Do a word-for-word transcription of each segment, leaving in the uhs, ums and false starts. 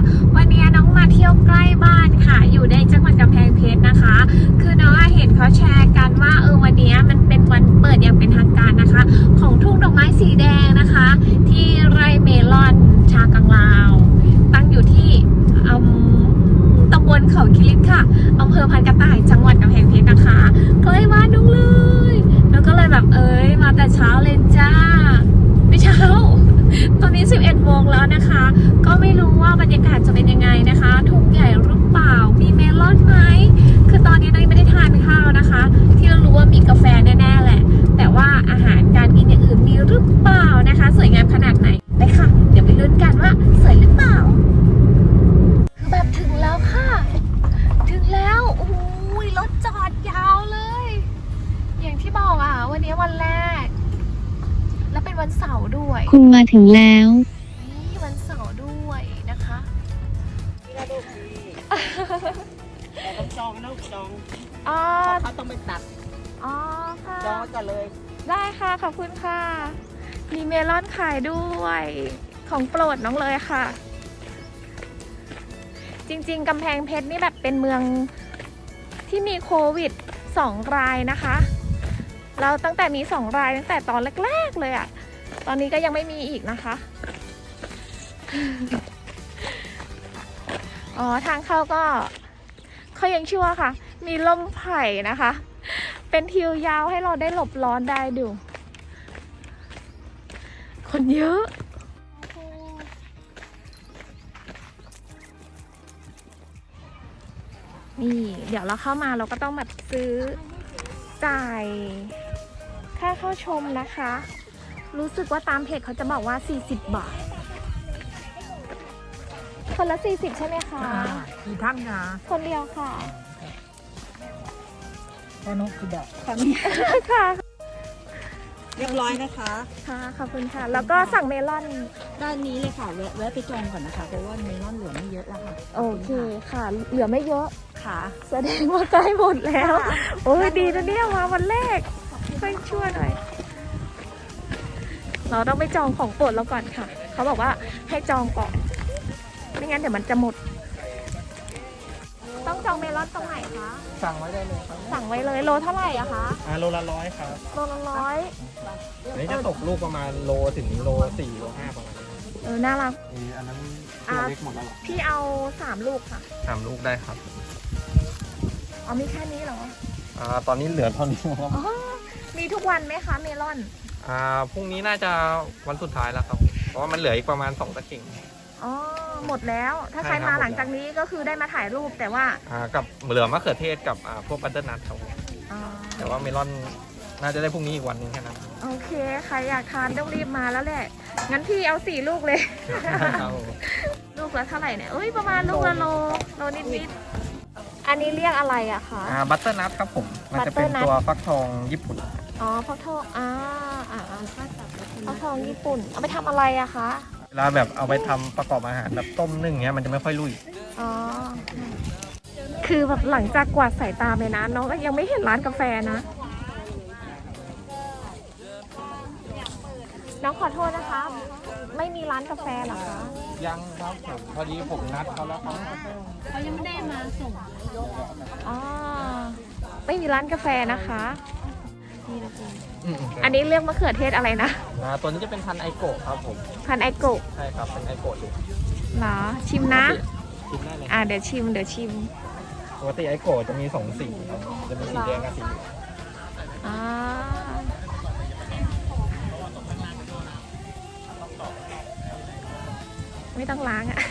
วันนี้น้องมาเที่ยวใกล้บ้านค่ะอยู่ในจังหวัดกำแพงเพชรนะคะคือน้องเห็นเขาแชร์กันว่าเออวันนี้มันเป็นวันเปิดอย่างเป็นทางการนะคะของทุ่งดอกไม้สีแดงนะคะที่ไร่เมลอนชากังลาวตั้งอยู่ที่ตำบลเขาคิริตค่ะอำเภอพันกระต่ายจังหวัดกำแพงเพชรนะคะใกล้บ้านน้องเลยแล้วก็เลยแบบเอ้ยมาแต่เช้าเลยจ้าไม่เช้าตอนนี้สิบเอ็ดโมงแล้วนะคะก็ไม่รู้ว่าบรรยากาศจะเป็นยังไงนะคะทุ่งใหญ่หรือเปล่ามีเมลอนไหมคือตอนนี้เราไม่ได้ทานข้าวนะคะที่เรารู้ว่ามีกาแฟแน่ๆแหละแต่ว่าอาหารการกินอย่างอื่นมีหรือเปล่านะคะสวยงามขนาดไหนไปค่ะเดี๋ยวไปลุ้นกันว่าสวยหรือเปล่าคือแบบถึงแล้วค่ะถึงแล้วโอ้ยรถจอดยาวเลยอย่างที่บอกอ่ะวันนี้วันแรกและเป็นวันเสาร์ด้วยคุณมาถึงแล้วนี่วันเสาร์ด้วยนะคะนี่เราดูดีเราต้องจองนะจองอ๋อเขาต้องไปตัดอ๋อค่ะจองไว้ก่อนเลยได้ค่ะขอบคุณค่ะมีเมลอนขายด้วยของโปรดน้องเลยค่ะจริงๆกำแพงเพชรนี่แบบเป็นเมืองที่มีโควิดสองรายนะคะเราตั้งแต่มีสองรายตั้งแต่ตอนแรกๆเลยอะตอนนี้ก็ยังไม่มีอีกนะคะอ๋อทางเข้าก็เขายังชั่วค่ะมีล่มไผ่นะคะเป็นทิวยาวให้เราได้หลบร้อนได้ดูคนเยอะนี่เดี๋ยวเราเข้ามาเราก็ต้องแบบซื้อจ่ายค่าเข้าชมนะคะรู้สึกว่าตามเพจเขาจะบอกว่าสี่สิบบาทคนละสี่สิบใช่ไหมคะกี่ท่านคะคนเดียวค่ะแค่นกกี่ดอกค่ะเรียบร้อยนะคะค่ะขอบคุณค่ะแล้วก็สั่งเมลอนด้านนี้เลยค่ะแวะแวะไปจองก่อนนะคะเพราะว่าเมลอนเหลือไม่เยอะแล้วค่ะโอเคค่ะเหลือไม่เยอะค่ะแสดงว่าใกล้หมดแล้วโอ้ยดีนะเนี่ยมาวันแรกช่วยช่วยหน่อยเราต้องไปจองของโปรดเราก่อนค่ะเขาบอกว่าให้จองก่อนไม่งั้นเดี๋ยวมันจะหมดต้องจองเมลอนตรงไหนคะสั่งไว้ได้เลยครับสั่งไว้เลยโลเท่าไหร่อะคะอ่าโลละร้อยครับโลละร้อยอันนี้จะตกลูกประมาณโลถึงโลสี่โลห้าประมาณนี้เออน่ารักมีอันนั้นตัวเล็กหมดแล้วเหรอพี่เอาสามลูกค่ะสามลูกได้ครับอ๋อมีแค่นี้เหรออ่าตอนนี้เหลือเท่านี้ครับอ๋อมีทุกวันไหมคะเมลอนอ่าพรุ่งนี้น่าจะวันสุดท้ายแล้วครับ เพราะว่ามันเหลืออีกประมาณสองตะเข่งอ๋อหมดแล้วถ้าใครใช่ครับมาหลังจากนี้ก็คือได้มาถ่ายรูปแต่ว่าอ่ากับเหลือมะเขือเทศกับอ่าพวกบัตเตอร์นัทครับอ๋อแต่ว่าเมลอนน่าจะได้พรุ่งนี้อีกวันหนึงแค่นั้นโอเคใครอยากทานต้องรีบมาแล้วแหละงั้นพี่เอาสี่ลูกเลยครับลูกละเท่าไหร่เนี่ยเอ้ยประมาณลูกละโลโลนิดนิดๆอันนี้เรียกอะไรอะคะอ่าบัตเตอร์นัทครับผม มันจะเป็น butternut ตัวฟักทองญี่ปุ่นอ๋อฟักทองอ่าอ่าอ่าฟักทองญี่ปุ่นเอาไปทำอะไรอะคะเวลาแบบเอาไปทำประกอบอาหารแบบต้มนึ่งเงี้ยมันจะไม่ค่อยลุยอ๋อคือแบบหลังจากกวาดสายตาไปนะน้องก็ยังไม่เห็นร้านกาแฟนะน้องขอโทษนะคะ ไม่มีร้านกาแฟเหรอคะยังครับผมพอดีผมนัดเขาแล้วครับเขายังไม่ได้มาส่งอ๋อไม่มีร้านกาแฟนะคะอืมอันนี้เรียกมะเขือเทศอะไรนะอ่าตัวนี้จะเป็นพันธุ์ไอโกะครับผมพันไอโกะใช่ครับเป็นไอโกะอยู่เหรอชิมนะกินได้เลยอ่าเดี๋ยวชิมเดี๋ยวชิมปกติไอโกะจะมีสองสีครับจะมีสีแดงกับสีเหลืองอ่าไม่ต้องล้างอะ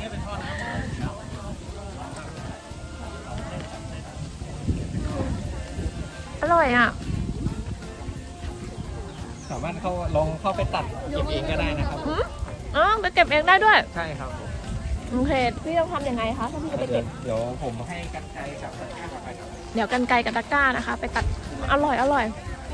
อร่อยอ่ะสามารถเข้าลองเข้าไปตัดเก็บเองก็ได้นะครับอืมอ๋อไปเก็บเองได้ด้วยใช่ครับผมโอเคพี่ต้องทำยังไงคะถ้าพี่จะไปเดี๋เก็ยวบเดี๋ยวผมให้กันไกรกับตะกร้าไปครับเดี๋ยวกันไกลกับตะกร้านะคะ ไปตัดอร่อยอร่อย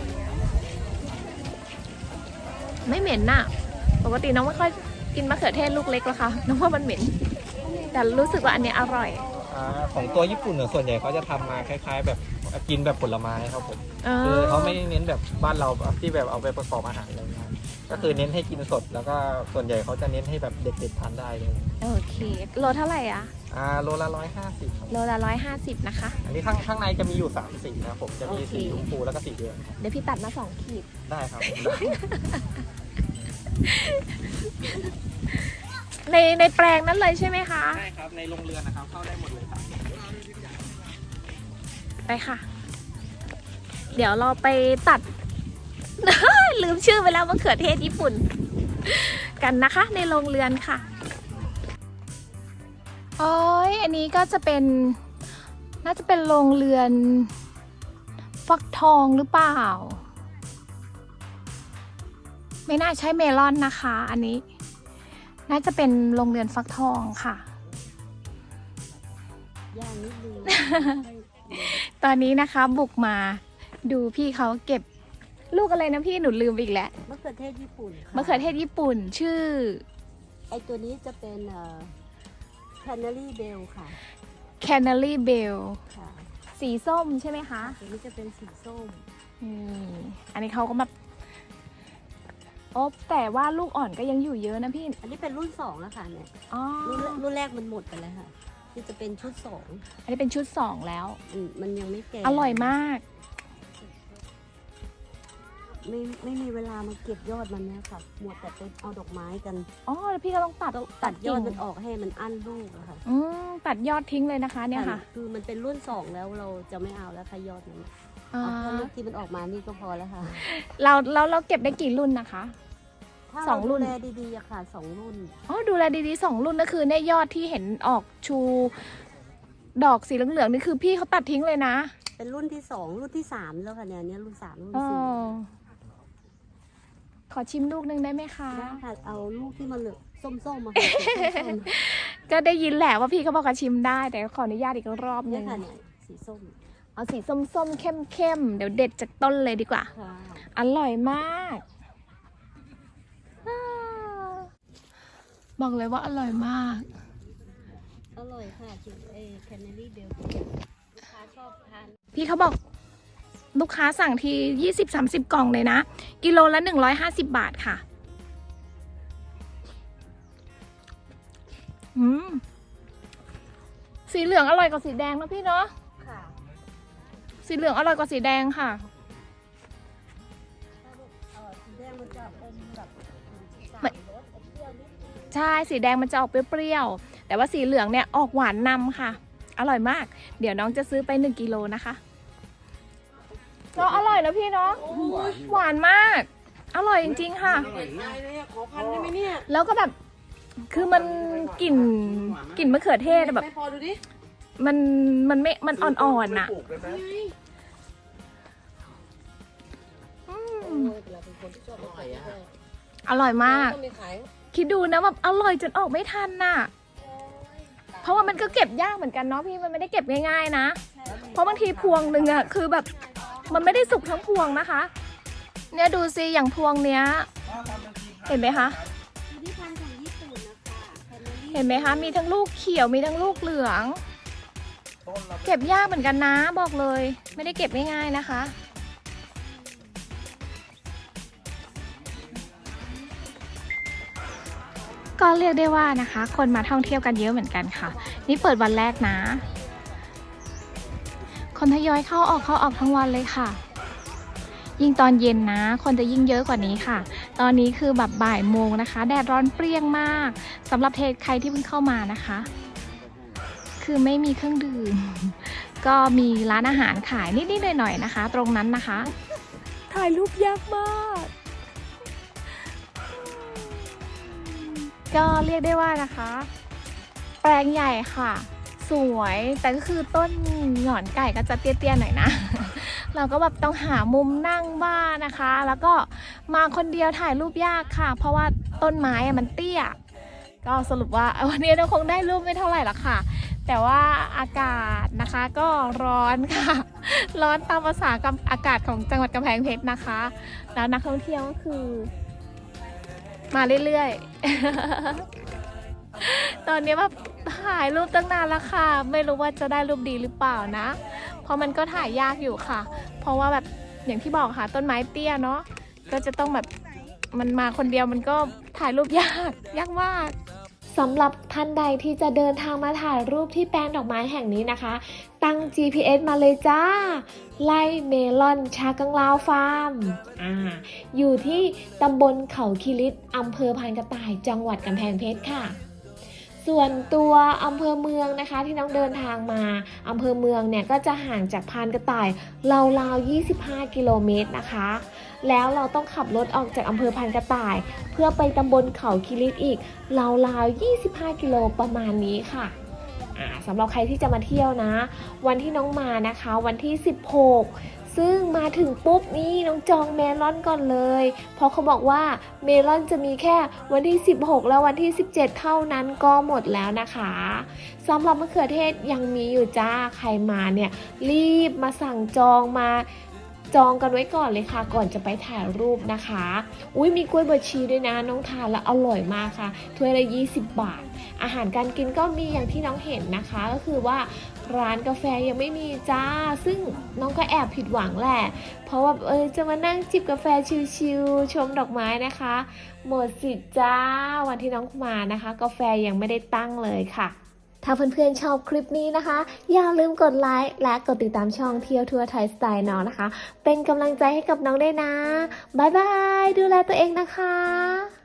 ไม่เหม็นน่ะ ปกติน้องไม่ค่อยกินมะเขือเทศลูกเล็กหรอกค่ะน้องว่ามันเหม็น แต่รู้สึกว่าอันเนี้ยอร่อยอ่าของตัวญี่ปุ่นเนี่ยส่วนใหญ่เขาจะทำมาคล้ายๆ แบบกินแบบผลไม้ครับผมอ๋อคือเขาไม่ได้เน้นแบบบ้านเราที่แบบเอาไปประกอบอาหารอะไรเงี้ยก็คือเน้นให้กินสดแล้วก็ส่วนใหญ่เขาจะเน้นให้แบบเด็กๆทานได้เลยโอเคโลเท่าไหร่อะอ่าโลละร้อยห้าสิบครับโลละร้อยห้าสิบนะคะอันนี้ข้างข้างในจะมีอยู่สามสีนะครับผมจะมีโอเคสีชมพูแล้วก็สีเหลืองครับเดี๋ยวพี่ตัดมาสองขีดได้ครับในในแปลงนั้นเลยใช่ไหมคะได้ครับในโรงเรือนนะครับเข้าได้หมดเลยครับไปค่ะ เดี๋ยวเราไปตัด ลืมชื่อไปแล้วมะเขือเทศญี่ปุ่น กันนะคะ ในโรงเรือนค่ะโอ้ยอันนี้ก็จะเป็น น่าจะเป็นโรงเรือน ฟักทองหรือเปล่า ไม่น่าใช่เมลอนนะคะ อันนี้ น่าจะเป็นโรงเรือนฟักทองค่ะย่างนิดนึงตอนนี้นะคะบุกมาดูพี่เขาเก็บลูกอะไรนะพี่หนูลืมไปอีกแล้วมะเขือเทศญี่ปุ่นค่ะมะเขือเทศญี่ปุ่นชื่อไอตัวนี้จะเป็นเอ่อ Canary Bell ค่ะ Canary Bell ค่ะสีส้มใช่ไหมคะตัวนี้จะเป็นสีส้มนี่อันนี้เขาก็แบบโอ้แต่ว่าลูกอ่อนก็ยังอยู่เยอะนะพี่อันนี้เป็นรุ่นสองแล้วค่ะเนี่ยอ๋อรุ่นรุ่นแรกมันหมดไปแล้วค่ะที่จะเป็นชุดสองอันนี้เป็นชุดสองแล้วอืมมันยังไม่แก่อร่อยมากไม่ไม่มีเวลามาเก็บยอดมันเนี่ยค่ะหมดแต่ไปเอาดอกไม้กันอ๋อแล้วพี่ก็ต้องตัดต้องตัดยอดกิ่งมันออกให้มันอั้นลูกอะค่ะอืมตัดยอดทิ้งเลยนะคะเนี่ยค่ะคือมันเป็นรุ่นสองแล้วเราจะไม่เอาแล้วค่ะยอดมันอ่าเอาแค่ลูกที่มันออกมานี่ก็พอแล้วค่ะเราเราเราเก็บได้กี่รุ่นนะคะถ้าสองรุ่นเราดูแลดีๆอะค่ะสองรุ่นอ๋อดูแลดีๆสองรุ่นก็คือในยยอดที่เห็นออกชู ดอกสีเหลืองๆนี่คือพี่เขาตัดทิ้งเลยนะเป็นรุ่นที่สองรุ่นที่สามแล้วค่ะเนี่ยเนี่ยรุ่นสามรุ่นอ๋อสี่ขอชิมลูกหนึงได้ไหมคะได้ค่ะเอาลูกที่มันเหลืองส้มๆมาค่ะส้มก็ได้ยินแหละว่าพี่เขาบอกว่าชิมได้ แต่ขออนุญาตอีกรอบๆหเนี่นึยงค่ะเนี่ยสีส้มเอาสีส้มๆเข้มๆเดี๋ยวเด็ดจากต้นเลยดีกว่าค่ะอร่อยมากอ่าบอกเลยว่าอร่อยมากอร่อยค่ะจุดเอแคนเนอรี่เบลลูกค้าชอบทานพี่เขาบอกลูกค้าสั่งทียี่สิบสามสิบกล่องเลยนะ กิโลละหนึ่งร้อยห้าสิบบาทค่ะ อืม สีเหลืองอร่อยกว่าสีแดงนะพี่เนาะค่ะสีเหลืองอร่อยกว่าสีแดงค่ะถ้าลูกเอ่อสีแดงมันจะอมแบบสามไม่รสอมเปรี้ยวนิดนึงใช่ สีแดงมันจะออกเปรี้ยวๆ แต่ว่าสีเหลืองเนี่ยออกหวานนำค่ะ อร่อยมาก เดี๋ยวน้องจะซื้อไปหนึ่งกิโลนะคะเนาะอร่อยนะพี่เนาะ หวานมาก อร่อยจริงๆค่ะตายเลยอะขอพันได้ไหมเนี่ยแล้วก็แบบ คือมันกลิ่นกลิ่นมะเขือเทศอะแบบไม่พอดูดิมัน มันไม่ มันอ่อนๆน่ะอืมเราเป็นคนที่ชอบมะเขือเทศอร่อยมากต้องมีขายคิดดูนะแบบอร่อยจนออกไม่ทันน่ะ เพราะว่ามันก็เก็บยากเหมือนกันเนาะพี่ มันไม่ได้เก็บง่ายๆนะ เพราะบางทีพวงหนึ่งอะคือแบบ มันไม่ได้สุกทั้งพวงนะคะ เนี่ยดูสิอย่างพวงเนี้ย เห็นไหมคะคือที่พันธุ์ของญี่ปุ่นนะคะแคนเนอรี่เห็นไหมคะ มีทั้งลูกเขียว มีทั้งลูกเหลือง เก็บยากเหมือนกันนะบอกเลย ไม่ได้เก็บง่ายๆนะคะ ก็เรียกได้ว่านะคะ คนมาท่องเที่ยวกันเยอะเหมือนกันค่ะ นี่เปิดวันแรกนะ คนทยอยเข้าออกเข้าออกทั้งวันเลยค่ะ ยิ่งตอนเย็นนะ คนจะยิ่งเยอะกว่านี้ค่ะ ตอนนี้คือแบบบ่ายโมงนะคะ แดดร้อนเปรี้ยงมากสำหรับเทศใครที่เพิ่งเข้ามานะคะ คือไม่มีเครื่องดื่ม ก็มีร้านอาหารขายนิดๆหน่อยๆนะคะ ตรงนั้นนะคะ ถ่ายรูปยากมาก ก็เรียกได้ว่านะคะ แปลงใหญ่ค่ะ สวยแต่ก็คือต้นหงอนไก่ก็จะเตี้ยๆหน่อยนะ เราก็แบบต้องหามุมนั่งบ้านนะคะ แล้วก็มาคนเดียวถ่ายรูปยากค่ะ เพราะว่าต้นไม้อะมันเตี้ย ก็สรุปว่าวันนี้เราคงได้รูปไม่เท่าไหร่หรอกค่ะ แต่ว่าอากาศนะคะก็ร้อนค่ะ ร้อนตามภาษากับอากาศของจังหวัดกำแพงเพชรนะคะ แล้วนักท่องเที่ยวก็คือ มาเรื่อยๆ ตอนนี้แบบถ่ายรูปตั้งนานแล้วค่ะ ไม่รู้ว่าจะได้รูปดีหรือเปล่านะเพราะมันก็ถ่ายยากอยู่ค่ะ เพราะว่าแบบอย่างที่บอกค่ะต้นไม้เตี้ยเนาะก็จะต้องแบบมันมาคนเดียวมันก็ถ่ายรูปยากยากมากสำหรับท่านใดที่จะเดินทางมาถ่ายรูปที่แปลงดอกไม้แห่งนี้นะคะ ตั้ง จี พี เอส มาเลยจ้าไล่เมลอนชากังลาวฟาร์มอ่าอยู่ที่ตำบลเขาคิริตอำเภอพานกระต่ายจังหวัดกำแพงเพชรค่ะ ส่วนตัวอำเภอเมืองนะคะที่น้องเดินทางมาอำเภอเมืองเนี่ยก็จะห่างจากพานกระต่ายราวๆยี่สิบห้ากิโลเมตรนะคะแล้วเราต้องขับรถออกจากอำเภอพานกระต่าย เพื่อไปตำบลเขาคิริตอีกราวๆยี่สิบห้ากิโลประมาณนี้ค่ะอ่าสำหรับใครที่จะมาเที่ยวนะวันที่น้องมานะคะวันที่สิบหกซึ่งมาถึงปุ๊บนี่น้องจองเมลอนก่อนเลยเพราะเขาบอกว่าเมลอนจะมีแค่วันที่สิบหกแล้ววันที่สิบเจ็ดเท่านั้นก็หมดแล้วนะคะสำหรับมะเขือเทศยังมีอยู่จ้าใครมาเนี่ยรีบมาสั่งจองมาจองกันไว้ก่อนเลยค่ะก่อนจะไปถ่ายรูปนะคะอุ้ยมีกล้วยบวชชีด้วยนะน้องทานแล้วอร่อยมากค่ะถ้วยละยี่สิบบาทอาหารการกินก็มีอย่างที่น้องเห็นนะคะก็คือว่าร้านกาแฟยังไม่มีจ้าซึ่งน้องก็แอบผิดหวังแหละเพราะว่าเออจะมานั่งจิบกาแฟชิลๆชมดอกไม้นะคะหมดสิทธิ์จ้าวันที่น้องมานะคะกาแฟยังไม่ได้ตั้งเลยค่ะถ้าเพื่อนๆชอบคลิปนี้นะคะอย่าลืมกดไลค์และกดติดตามช่องเที่ยวทัวร์ไทยสไตล์น้องนะคะเป็นกำลังใจให้กับน้องได้นะบ๊ายบายดูแลตัวเองนะคะ